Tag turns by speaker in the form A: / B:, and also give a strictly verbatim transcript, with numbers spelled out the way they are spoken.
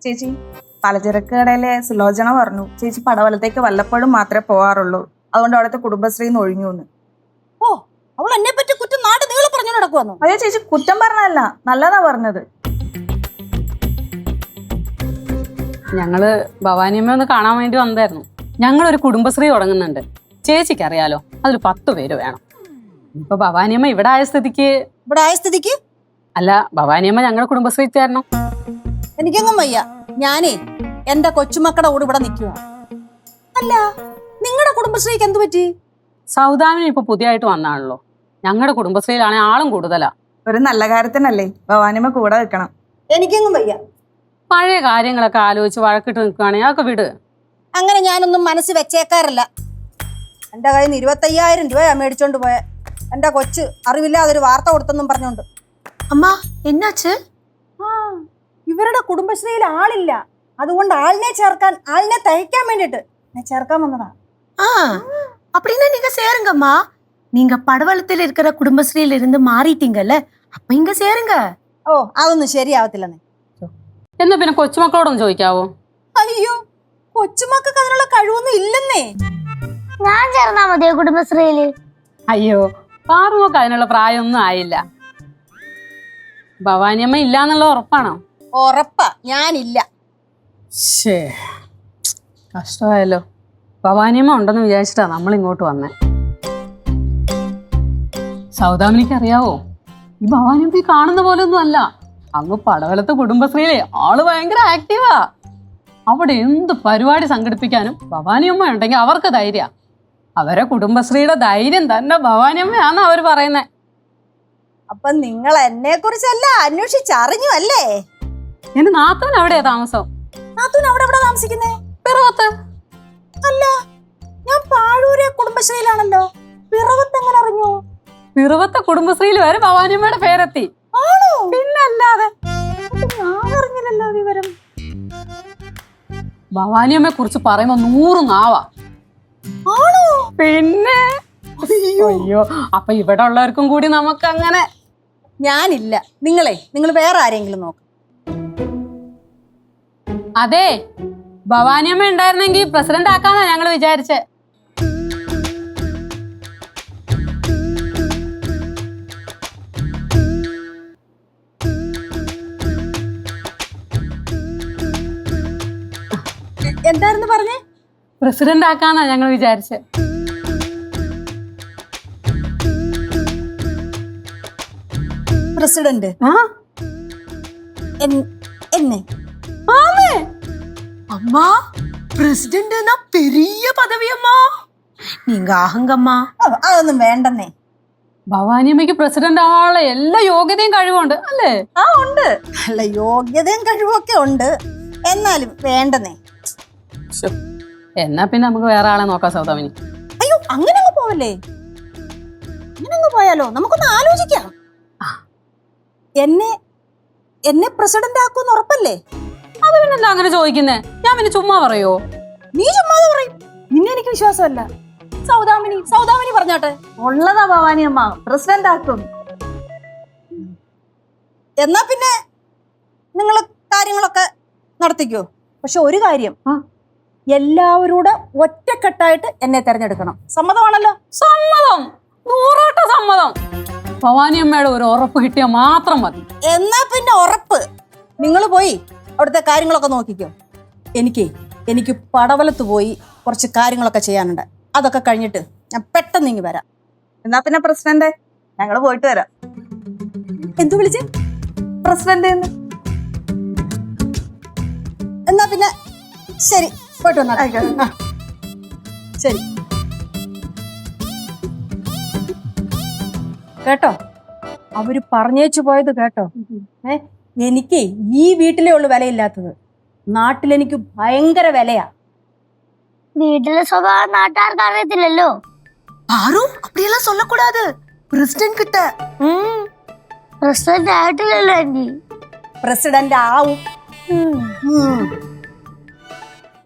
A: ചേച്ചി പലചരക്ക് കടയിലെ സുലോചന പറഞ്ഞു ചേച്ചി പടവലത്തേക്ക് വല്ലപ്പോഴും മാത്രമേ പോകാറുള്ളൂ, അതുകൊണ്ട് അവിടുത്തെ കുടുംബശ്രീന്ന് ഒഴിഞ്ഞു എന്ന്.
B: ഓ, അവൾ എന്നെ പറ്റി കുറ്റം നാട് നീളെ പറഞ്ഞു നടക്കുവന്നു.
A: അയ്യോ ചേച്ചി, കുറ്റം പറഞ്ഞല്ല, നല്ലതാ പറഞ്ഞത്.
C: ഞങ്ങള് ഭവാനിയമ്മ ഒന്ന് കാണാൻ വേണ്ടി വന്നായിരുന്നു. ഞങ്ങളൊരു കുടുംബശ്രീ തുടങ്ങുന്നുണ്ട്, ചേച്ചിക്ക് അറിയാലോ, അതിൽ പത്ത് പേര് വേണം. ഇപ്പൊ ഭവാനിയമ്മ ഇവിടെ ആയ സ്ഥിതിക്ക്
B: ഇവിടെ ആയ സ്ഥിതിക്ക്
C: അല്ല, ഭവാനിയമ്മ ഞങ്ങളുടെ കുടുംബശ്രീ ചേരണം.
B: എനിക്കെങ്ങും വയ്യ. ഞാനേ എന്റെ കൊച്ചുമക്കളുടെ കൂടെ ഇവിടെ നിൽക്കുക. അല്ല, നിങ്ങളുടെ കുടുംബശ്രീക്ക് എന്ത് പറ്റി?
C: സൗദാമിനി ഇപ്പൊ പുതിയതായിട്ട് വന്നാണല്ലോ. ഞങ്ങളുടെ കുടുംബശ്രീയിലാണെങ്കിൽ ആളും കൂടുതലാ.
A: ഒരു നല്ല കാര്യത്തിനല്ലേ ഭവാനിയമ്മ കൂടെ നിൽക്കണം.
B: എനിക്കെങ്ങും വയ്യ.
C: പഴയ കാര്യങ്ങളൊക്കെ ആലോചിച്ച് വഴക്കിട്ട് നിൽക്കുകയാണെങ്കിൽ അതൊക്കെ വിട്.
B: അങ്ങനെ ഞാനൊന്നും മനസ്സ് വെച്ചേക്കാറില്ല. എന്റെ കയ്യിൽ നിന്ന് ഇരുപത്തയ്യായിരം രൂപയാ മേടിച്ചോണ്ട് പോയ എന്റെ കൊച്ച് അറിവില്ലാതൊരു വാർത്ത കൊടുത്തെന്നും പറഞ്ഞോണ്ട്.
D: അമ്മ എന്നാച്ച്?
B: ആ, ഇവരുടെ കുടുംബശ്രീയിൽ ആളില്ല, അതുകൊണ്ട് ആളിനെ ചേർക്കാൻ, ആളിനെ തയ്ക്കാൻ വേണ്ടിട്ട് ഞാൻ ചേർക്കാൻ വന്നതാ.
D: ஆ அப்படின்னா நீங்க சேருங்கம்மா. நீங்க படவளத்தில் இருக்கிற குடும்பஸ்ரீல இருந்து மாறிட்டீங்கல்ல, அப்ப இங்க சேருங்க.
B: ഓ, അതൊന്നും ശരിയാവത്തില്ലെന്നേ.
C: എന്നാ പിന്നെ കൊച്ചുമക്കളോടൊന്ന് ചോദിക്കാവോ?
B: അയ്യോ, കൊച്ചുമക്കൾക്ക് അതിനുള്ള കഴിവൊന്നും ഇല്ലെന്നേ.
E: ഞാൻ ചേർന്നാ മതിയോ കുടുംബശ്രീയില്?
C: അയ്യോ, പാറുമൊക്കെ അതിനുള്ള പ്രായമൊന്നും ആയില്ല. ഭവാനിയമ്മ ഇല്ലാന്നുള്ള ഉറപ്പാണോ?
B: ഉറപ്പാ, ഞാനില്ല.
C: ശേ, കഷ്ടമായല്ലോ. ഭവാനിയമ്മ ഉണ്ടെന്ന് വിചാരിച്ചിട്ടാ നമ്മൾ ഇങ്ങോട്ട് വന്നേ. സൗദാമിനിക്ക് അറിയാവോ, ഈ ഭവാനിയമ്മ ഈ കാണുന്ന പോലെ ഒന്നും അല്ല. അങ്ങ് പടവലത്തെ കുടുംബശ്രീയിലെ ആള് ഭയങ്കര ആക്റ്റീവാ. അവിടെ എന്ത് പരിപാടി സംഘടിപ്പിക്കാനും ഭവാനിയമ്മ ഉണ്ടെങ്കിൽ അവർക്ക് ധൈര്യ. അവരെ കുടുംബശ്രീയുടെ ധൈര്യം തന്നെ ഭവാനിയമ്മയാന്ന് അവര് പറയുന്നേ.
B: അപ്പൊ നിങ്ങൾ എന്നെ കുറിച്ചല്ല അന്വേഷിച്ചറിഞ്ഞു അല്ലേ?
C: എന്റെ നാത്തൂൻ അവിടെയാ താമസം.
B: നാത്തൂൻ അവിടെ എവിടെ താമസിക്കുന്നേ?
C: പിറവത്ത്.
B: അല്ല, ഞാൻ പാഴൂരെ കുടുംബശ്രീയിലാണല്ലോ. പിറവത്ത് എങ്ങനെ അറിഞ്ഞു?
C: പിറവത്തെ കുടുംബശ്രീയിൽ വരെ ഭവാനിയമ്മയുടെ പേരെത്തി.
B: ആണോ?
C: പിന്നല്ലാതെ.
B: ഞാൻ അറിഞ്ഞില്ലല്ലോ വിവരം.
C: ഭവാനിയമ്മയെ കുറിച്ച് പറയുമ്പോ നൂറ് നാവാ.
B: ആണോ?
C: പിന്നെ അയ്യോ, അപ്പൊ ഇവിടെ ഉള്ളവർക്കും കൂടി നമുക്ക് അങ്ങനെ.
B: ഞാനില്ല. നിങ്ങളെ നിങ്ങൾ വേറെ ആരെങ്കിലും നോക്ക്.
C: അതെ, ഭവാനിയമ്മ ഉണ്ടായിരുന്നെങ്കിൽ പ്രസിഡന്റ് ആക്കാന്നാ ഞങ്ങള് വിചാരിച്ചേ.
B: എന്തായിരുന്നു പറഞ്ഞേ?
C: പ്രസിഡന്റ് ആക്കാന്നാ ഞങ്ങൾ വിചാരിച്ചേ.
B: പ്രസിഡന്റ്
C: ആ
B: എന്നെ?
C: ആമേ,
D: அம்மா பிரசிடென்ட்னா பெரிய பதவி அம்மா. நீங்க ஆகுங்கம்மா.
B: ഓ, അതൊന്നും വേണ്ടെന്നേ.
C: ഭവാനിയമ്മയ്ക്ക് പ്രസിഡന്റ് ആവാനുള്ള എല്ലാ യോഗ്യതയും കഴിവുണ്ട് അല്ലേ?
B: ആ, ഉണ്ട്. അല്ല, യോഗ്യതയും കഴിവൊക്കെ ഉണ്ട്, എന്നാലും വേണ്ടെന്നേ.
C: എന്നാ പിന്നെ നമുക്ക് വേറെ ആളെ നോക്കാം സൗദാമിനി.
B: അയ്യോ, അങ്ങനെ അങ്ങ് പോവല്ലേ? അങ്ങനെ അങ്ങ് പോയാലോ? നമുക്കൊന്ന് ആലോചിക്കാം. എന്നെ എന്നെ പ്രസിഡന്റ് ആക്കുമെന്ന് ഉറപ്പല്ലേ?
C: അത് പിന്നെന്താ അങ്ങനെ ചോദിക്കുന്നേ? ഞാൻ പിന്നെ ചുമ്മാ പറയോ?
B: നീ ചുമ്മാതെ പറയും. നിന്നെ എനിക്ക് വിശ്വാസമല്ല. സൗദാമിനി സൗദാമിനി പറഞ്ഞാട്ടെ.
A: ഉള്ളതാ ഭവാനിയമ്മ, പ്രസിഡന്റ് ആക്കും.
B: എന്നാ പിന്നെ നിങ്ങൾ കാര്യങ്ങളൊക്കെ നടത്തിക്കോ. പക്ഷെ ഒരു കാര്യം, എല്ലാവരോടും ഒറ്റക്കെട്ടായിട്ട് എന്നെ തെരഞ്ഞെടുക്കണം. സമ്മതമാണല്ലോ?
C: സമ്മതം, നൂറോട്ട സമ്മതം. ഭവാനിയമ്മയുടെ ഒരു ഉറപ്പ് കിട്ടിയാൽ മാത്രം മതി.
B: എന്നാ പിന്നെ ഉറപ്പ്. നിങ്ങൾ പോയി അവിടുത്തെ കാര്യങ്ങളൊക്കെ നോക്കിക്കോ. എനിക്ക് എനിക്ക് പടവലത്ത് പോയി കുറച്ച് കാര്യങ്ങളൊക്കെ ചെയ്യാനുണ്ട്. അതൊക്കെ കഴിഞ്ഞിട്ട് ഞാൻ പെട്ടെന്ന് ഇങ്ങ് വരാം.
A: എന്നാ പിന്നെ പ്രസിഡന്റ്, ഞങ്ങള് പോയിട്ട് വരാം.
B: എന്തു വിളിച്ച്?
A: പ്രസിഡന്റ്.
B: എന്നാ പിന്നെ ശരി, പോയിട്ട് വന്നാ. ശരി കേട്ടോ, അവര് പറഞ്ഞേച്ചു പോയത് കേട്ടോ. ഏ എനിക്ക് ഈ വീട്ടിലേ ഉള്ളു വിലയില്ലാത്തത്, നാട്ടിലെനിക്ക് ഭയങ്കര വിലയാ.
E: വീട്ടിലെ സ്വഭാവം നാട്ടുകാർക്ക് അറിയത്തില്ലല്ലോ.
D: பாரு அப்படியெல்லாம் சொல்லக்கூடாது. பிரசிடென்ட் கிட்ட.
E: പ്രസിഡന്റ് ആയിട്ടില്ലല്ലോ ആന്റി.
B: പ്രസിഡന്റ് ആവും.